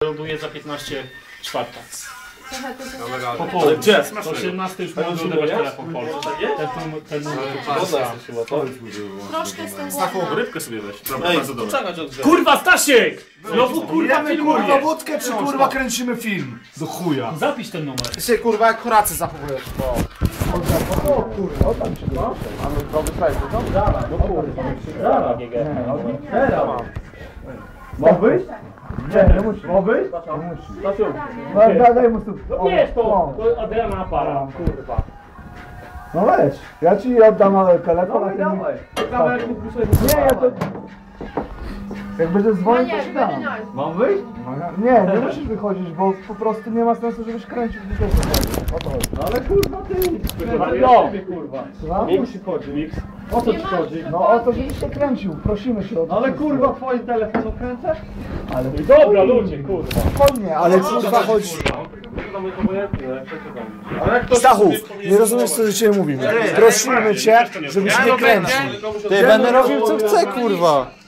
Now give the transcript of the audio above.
wyląduje za 15 czwarta. Po południu. Gdzie? To 18 już mogę odebrać telefon polski. Ten numer Troszkę z tym Taką głodna. rybkę sobie weź. Dobra, bardzo dobrze. Kurwa, Stasiek! Znowu kurwa Kurwa filmujesz! wódkę, czy kurwa kręcimy film? Do chuja. Zapisz ten numer. Ty się kurwa jak Horacy zachowujesz, bo... Mam wyjść? Nie musi. Mam wyjść? Daj mu tu. Wiesz to, Adriana para, kurwa. No weź. Ja ci oddam telefon, a ty mi... Nie, ja to... Jak będziesz dzwonić, to ci dam. Mam wyjść? Nie musisz wychodzić, bo po prostu nie ma sensu, żebyś kręcił w o to chodzi. No ale kurwa ty... Kurwa. Nie musi chodzić. O co ci chodzi? No o to, żebyś się kręcił, prosimy się o to. Ale kurwa twoim telefonem kręcę? Ale... Dobra ludzie, kurwa. Spokojnie, ale kurwa chodzi... Stachu, nie rozumiesz co do ciebie mówimy. Prosimy cię, żebyś nie kręcił. Ty, będę robił co chcę, kurwa.